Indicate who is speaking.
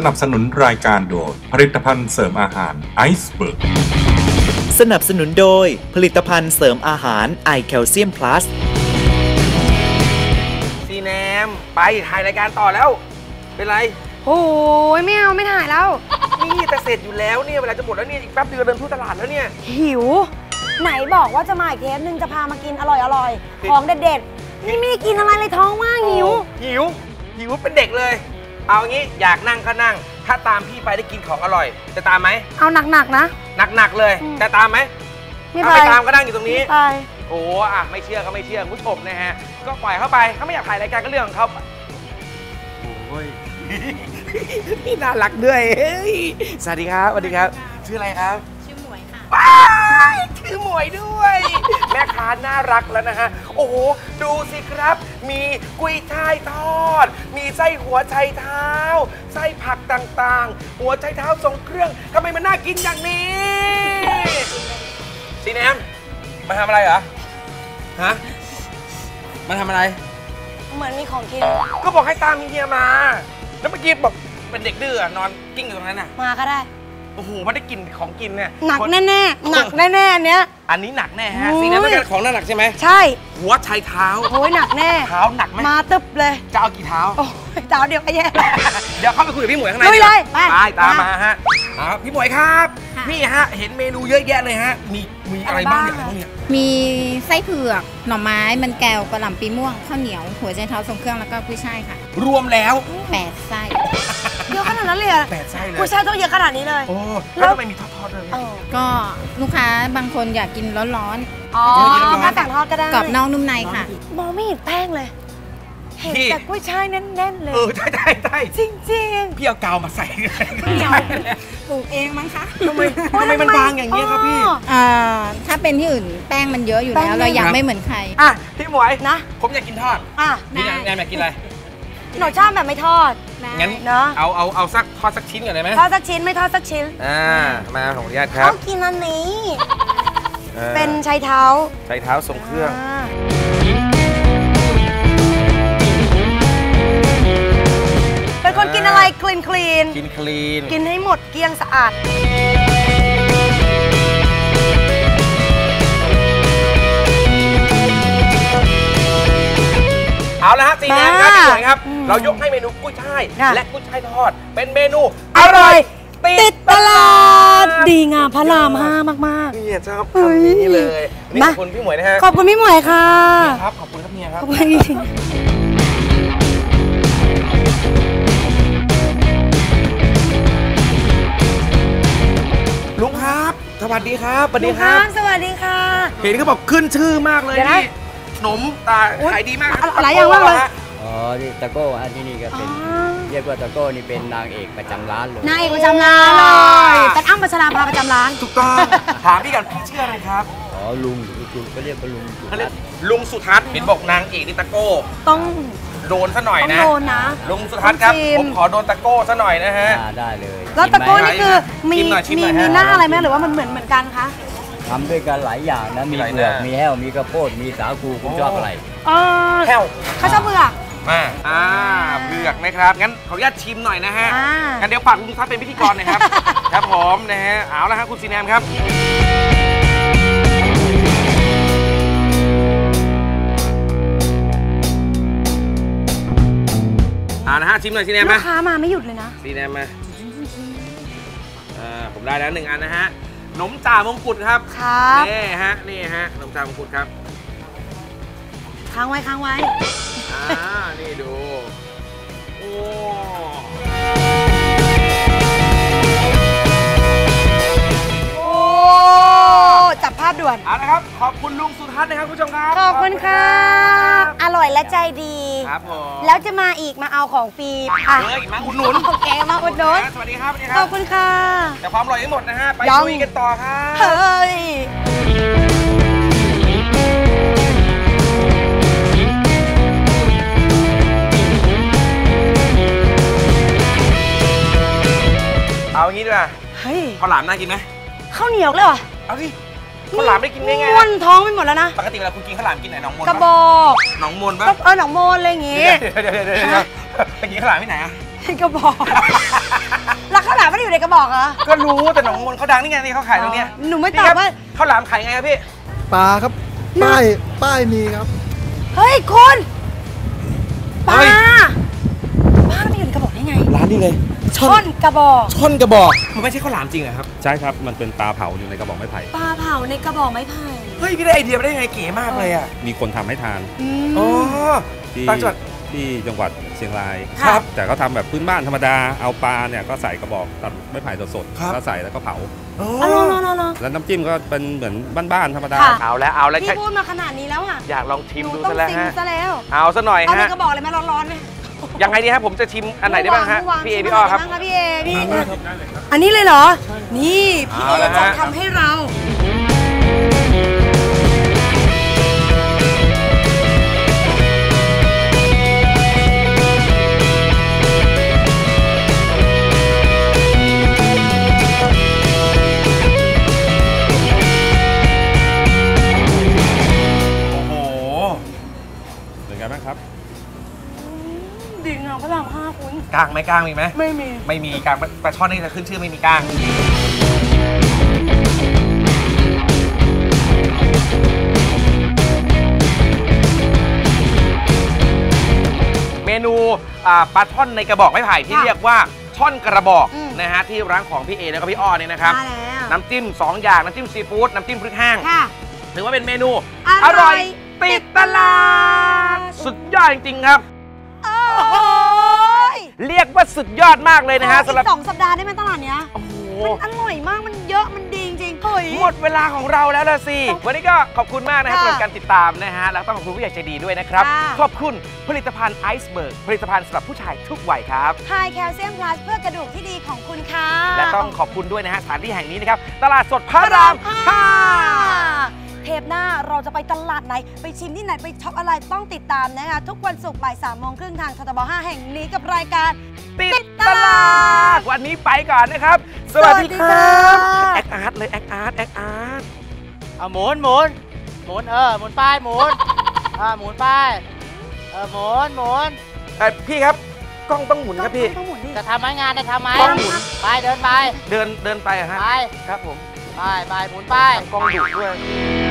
Speaker 1: นับสนุนรายการโดยผลิตภัณฑ์เสริมอาหารไอซ์เบิร์ก
Speaker 2: สนับสนุนโดยผลิตภัณฑ์เสริมอาหารไอแคลเซียมพลัส
Speaker 3: ซีแนมไปถ่ายรายการต่อแล้วเป็นไร
Speaker 4: โอ้ยไม่เอาไม่ถ่ายแล้ว
Speaker 3: นี่แต่เสร็จอยู่แล้วเนี่ยเวลาจะหมดแล้วเนี่ยอีกแป๊บเดียวเดินทั่วตลาดแล้วเนี่ย
Speaker 4: หิวไหนบอกว่าจะมาอีกเทปนึงจะพามากินอร่อยของเด็ดๆนี่ไม่ได้กินอะไรเลยท้องว่างหิว
Speaker 3: เป็นเด็กเลยเอางี้อยากนั่งก็นั่งถ้าตามพี่ไปได้กินของอร่อยจะตามไหม
Speaker 4: เอาหนักๆนะ
Speaker 3: หนักๆเลยจะตามไหม
Speaker 4: ไม่
Speaker 3: ไปตามก็นั่งอยู่ตรงนี้
Speaker 4: ไป
Speaker 3: โอ้อะไม่เชื่อก็ไม่เชื่อคุณผู้ชมนะฮะก็ปล่อยเข้าไปเขาไม่อยากถ่ายรายการก็เรื่องของเขาโอ้ยนี่น่ารักด้วยสวัสดีครับสวัสดีครับชื่ออะไรครับ
Speaker 5: ชื่อหมวยค่ะ
Speaker 3: ว้ายชื่อหมวยด้วยแม่ค้าน่ารักแล้วนะฮะโอ้โหดูสิครับมีกุ้ยช่ายทอดมีไส้หัวไชเท้าไส้ผักต่างๆหัวไชเท้าทรงเครื่องทำไมมันน่ากินอย่างนี้ซีแนมมาทำอะไรเหรอฮะมาทำอะไร
Speaker 4: เหมือนมีของกิน
Speaker 3: ก็บอกให้ตามเฮียมาแล้วเมื่อกี้บอกเป็นเด็กดื้อนอนกิ้งอยู่ตรงนั้นน่ะ
Speaker 4: มาก็ได้
Speaker 3: โอ้โหไม่ได้กินของกินเนี่ย
Speaker 4: หนักแน่ๆหนักแน่ๆอันเนี้ย
Speaker 3: อันนี้หนักแน่ฮะซีแนมเป็นการของหนักใช่ไหม
Speaker 4: ใช่
Speaker 3: หัวไชเท้า
Speaker 4: โอ้ยหนักแน่
Speaker 3: เท้าหนักไหม
Speaker 4: มาตึบเลย
Speaker 3: จะเอากี่เท้า
Speaker 4: โอ้ยเท้าเดียวก็แย่
Speaker 3: เดี๋ยวเข้าไปคุยกับพี่หมวยข้างใน
Speaker 4: เลยไป
Speaker 3: ตามมาฮะพี่หมวยครับนี่ฮะเห็นเมนูเยอะแยะเลยฮะมีอะไรบ้างเนี่ย
Speaker 5: มีไส้เผือกหน่อไม้มันแก้วกระหล่ำปีม่วงข้าวเหนียวหัวไชเท้าทรงเครื่องแล้วก็กุ้ยช่ายค่ะ
Speaker 3: รวมแล้ว
Speaker 5: 8 ไส้
Speaker 4: เยอะขนาดนั้นเลย
Speaker 3: 8 ไส้เลย
Speaker 4: กุ้ยช่ายต้องเยอะขนาดนี้เลย
Speaker 3: โอ้แล้วทำไมมีทอดๆเลย
Speaker 5: ก็ลูกค้าบางคนอยากกินร้อน
Speaker 4: ๆอ๋อถ้าแต่งทอดก็ได้
Speaker 5: กรอบนอกนุ่มในค่ะ
Speaker 4: มองไม่เห็นแป้งเลยเห็นแต่กุ้ยช่ายแน่นๆเลย
Speaker 3: ใช่
Speaker 4: จริง
Speaker 3: ๆพี่เอากาวมาใส่
Speaker 5: ปลูกเองมั้งคะ
Speaker 3: ทำไมมันบางอย่างนี้ครับพี่
Speaker 5: ถ้าเป็นที่อื่นแป้งมันเยอะอยู่แล้วเราอยากไม่เหมือนใคร
Speaker 3: พี่หมวยนะผมอยากกินทอดพี่แนมอยากกินอะไร
Speaker 4: หนูชอบแบบไม่ทอด
Speaker 3: งั้นเนาะเอาสักทอดสักชิ้นก่อนได้ไหม
Speaker 4: ทอดสักชิ้นไม่ทอดสักชิ้น
Speaker 3: มาของญาติครับ
Speaker 4: เขากินอันนี้เป็นไชเท้า
Speaker 3: ทรงเครื่อง
Speaker 4: เป็นคนกินอะไรคลีน
Speaker 3: กิน
Speaker 4: ให้หมดเกลี้ยงสะอาด
Speaker 3: เอาละฮะซีแนมครับพี่หมวยครับเรายกให้เมนูกุ้ยช่ายและกุ้ยช่ายทอดเป็นเมนูอร่อยติดตลาด
Speaker 4: ดีงามพระราม5มาก
Speaker 3: ๆนี่ชอบคำนี้เลยนี่ขอบคุณพี่หมวยนะฮะ
Speaker 4: ขอบคุณพี่หมวยค่ะ
Speaker 3: ครับขอบคุณครับเมียครับ
Speaker 4: ขอบคุณ
Speaker 3: ลุงครับสวัสดีครับสวัสดีครับ
Speaker 4: สวัสดีค่ะ
Speaker 3: เห็นเขาบอกขึ้นชื่อมากเลยนี่ขนมขายดีมาก
Speaker 4: หลายอย่างมากเลย
Speaker 6: นี่ตะโก้ที่นี่ก็เป็นเรียกว่าตะโก้นี่เป็นนางเอกประจำร้านเลย
Speaker 4: นางเอกประจำร้านเลยเป็นอ้ำพัชราภาประจำร้าน
Speaker 3: ถูกต้องถามพี่กันพี่ชื่ออะไรครับ
Speaker 6: ลุงก็เรียกว่า
Speaker 3: ลุงสุทัศน์เห็นบอกนางเอกนี่ตะโก้
Speaker 4: ต้อง
Speaker 3: โดนซะหน่อยนะ
Speaker 4: โดนนะ
Speaker 3: ลุงสุทัศน์ครับผมขอโดนตะโก้ซะหน่อยนะฮะ
Speaker 6: ได้เลย
Speaker 4: แล้วตะโก้นี่คือมีหน้าอะไรไหมหรือว่ามันเหมือนกันคะ
Speaker 6: ทำด้วยกันหลายอย่างนะมีเผือกมีแห้วมีกระโพดมีสาคูคุณชอบอะไร
Speaker 3: แห้ว
Speaker 4: เขาชอบเผือก
Speaker 3: มาเผือกนะครับงั้นขออนุญาตชิมหน่อยนะฮะงั้นเดี๋ยวฝากลุงสุทัศน์เป็นพิธีกรหน่อยครับครับผมนะฮะเอาละครับคุณซีแนมครับนะฮะชิมหน่อยซีแนม
Speaker 4: ลูกค้ามาไม่หยุดเลยนะ
Speaker 3: ซีแนมมาผมได้แล้ว1 อันนะฮะขนมจ่ามงกุฎครับนี่ฮะขนมจ่ามงกุฎครับ
Speaker 4: ค้างไว้
Speaker 3: นี่ดูโอ้
Speaker 4: จับภาพด่วน
Speaker 3: เอาละครับขอบคุณลุงสุทัศน์นะครับคุณผู้ชมครับ
Speaker 4: ขอบคุณค่ะอร่อยและใจดี
Speaker 3: ครับผม
Speaker 4: แล้วจะมาอีกมาเอาของฟรี
Speaker 3: มาอุดหนุน
Speaker 4: โอเคมาอุดหนุน
Speaker 3: สวัสดีครับ
Speaker 4: ขอบคุณค่ะ
Speaker 3: แต่ความอร่อยยังหมดนะฮะไปคุยกันต่อครับ
Speaker 4: เฮ้ย
Speaker 3: เอางี้ดีกว่าข้าวหลามน่ากินไหม
Speaker 4: ข้าวเหนียวเลยเหรอ
Speaker 3: เอาสิข้าวหลามได้กินง่าย
Speaker 4: ๆม้วนท้องไปหมดแล้วนะ
Speaker 3: ปกติเวลาคุณกินข้าวหลามกินไหนหนองมน
Speaker 4: กระบอก
Speaker 3: หนองมนปะ
Speaker 4: หนองมนอะไรอย่างงี้
Speaker 3: เดี๋ยวไปกินข้าวหลามที่ไหนอะ
Speaker 4: ในกระบอกแล้วข้าวหลามไม่ได้อยู่ในกระบอกเหรอ
Speaker 3: ก็รู้แต่หนองมนเขาดังนี่ไงนี่เขาขายตรงเนี้ย
Speaker 4: หนูไม่ตอบว่า
Speaker 3: ข้าวหลามขายไงครับพี่
Speaker 7: ปลาครับ ป้ายมีครับ
Speaker 4: เฮ้ยคุณป
Speaker 3: เฮ้
Speaker 4: ลาย ปลาไม่อยู่ในกระบอกได้ไง
Speaker 3: ร้านนี้เลย
Speaker 4: ช่อนกระบอก
Speaker 3: ช่อนกระบอกมันไม่ใช่ข้าวหลามจริงเหรอครับ
Speaker 8: ใช่ครับ มันเป็นปลาเผาอยู่ในกระบอกไม้ไผ่
Speaker 4: ปลาเผาในกระบอกไม้ไผ่
Speaker 3: เฮ้ยพี่ได้ไอเดียมาได้ยังไงเก๋มากเลยอ่ะ
Speaker 8: มีคนทำให้ทาน
Speaker 3: อ๋อ
Speaker 8: ที่
Speaker 3: ต่างจังหวัด
Speaker 8: ที่จังหวัดเชียงราย
Speaker 3: ครับ
Speaker 8: แต่เขาทำแบบพื้นบ้านธรรมดา เอาปลาเนี่ยก็ใส่กระบอกตัดไม้ไผ่สด
Speaker 3: ครับ
Speaker 8: ๆแล้วใส่แล้วก็เผา
Speaker 3: อ๋อ
Speaker 4: อ๋อ
Speaker 8: แล้วน้ำจิ้มก็เป็นเหมือนบ้านๆธรรมดา
Speaker 4: ค่ะ
Speaker 3: เอาแล้ว
Speaker 4: พี่พูดมาขนาดนี้แล้วอ่ะ
Speaker 3: อยากลองชิม
Speaker 4: หนู
Speaker 3: ดู
Speaker 4: ต้อง
Speaker 3: ซะแล้ว
Speaker 4: ซิม
Speaker 3: ฮะ
Speaker 4: ซะแล้ว
Speaker 3: เอาซะหน่อย
Speaker 4: เอาใน
Speaker 3: ฮะ
Speaker 4: กระบอกเลยไหมร้อนๆไหม
Speaker 3: ยังไงดีครับผมจะชิมอันไหนได้บ้างฮะ
Speaker 4: ว
Speaker 3: พี่เอพี่อ้อครับ
Speaker 4: ชิมนไหนได้างะพี่เอพี่อันนี้เลยเหรอ นี่พี่
Speaker 3: เอา
Speaker 4: เอ
Speaker 3: ละฮะ
Speaker 4: จะทำให้เรา
Speaker 3: โอ้โห
Speaker 8: เป็นไงบ้างครับ
Speaker 4: ดิ่งอ่ะพระราม5คุณ
Speaker 3: กลางไหมกลางมีไหม
Speaker 4: ไม่มี
Speaker 3: ไม่มีกลางปลาช่อนนี่จะขึ้นชื่อไม่มีกลางเมนูปลาช่อนในกระบอกไม้ไผ่ที่เรียกว่าช่อนกระบอกนะฮะที่ร้านของพี่เอแล้วก็พี่อ้อเนี่ยนะครับ
Speaker 4: มาแล้ว
Speaker 3: น้ำจิ้ม2 อย่างน้ำจิ้มซีฟู้ดน้ำจิ้มพริกแห้ง
Speaker 4: ค่ะ
Speaker 3: ถือว่าเป็นเมนู
Speaker 4: อร่อย
Speaker 3: ติดตลาดสุดยอดจริงๆครับ
Speaker 4: โอ้ย
Speaker 3: เรียกว่าสุดยอดมากเลยนะฮะ
Speaker 4: อี
Speaker 3: สำหรับ
Speaker 4: ก2 สัปดาห์ได้ไหมตลาดเนี้ย
Speaker 3: โอ้โห
Speaker 4: มันอร่อยมากมันเยอะมันดีจริงๆเฮ้ย
Speaker 3: หมดเวลาของเราแล้วล่ะสิ วันนี้ก็ขอบคุณมากนะฮะสำหรับการติดตามนะฮะ แล้วต้องขอบคุณผู้ใหญ่ใจดีด้วยนะครับ
Speaker 4: ค่ะ
Speaker 3: ขอบคุณผลิตภัณฑ์ไอซ์เบิร์กผลิตภัณฑ์สำหรับผู้ชายทุกวัยครับ
Speaker 4: ไฮแคลเซียมพลัสเพื่อกระดูกที่ดีของคุณค่ะ
Speaker 3: และต้องขอบคุณด้วยนะฮะสถานที่แห่งนี้นะครับ ตลาดสดพระราม
Speaker 4: เทปหน้าเราจะไปตลาดไหน ไปชิมที่ไหน ไปช็อปอะไรต้องติดตามนะคะ ทุกวันศุกร์บ่าย3:30ทางททบ 5 แห่งนี้กับรายการ
Speaker 3: 5 ติดตลาด วันนี้ไปก่อนนะครับ สวัสดีครับ แอคอาร์ตเลยแอคอาร์ตแอคอาร์ต
Speaker 9: เอาหมุนหมุนป้ายหมุนหมุนป้ายหมุน
Speaker 3: พี่ครับกล้องต้องหมุนครับพี่
Speaker 4: ต้องหมุนดิ
Speaker 9: จะทำไหมงานได้ทำไหม
Speaker 3: ต้องหมุน
Speaker 9: ไปเดินไป
Speaker 3: เดินไปอะฮะ
Speaker 9: ไป
Speaker 3: ครับผม
Speaker 9: ไปหมุนป้าย
Speaker 3: กล้องดุด้วย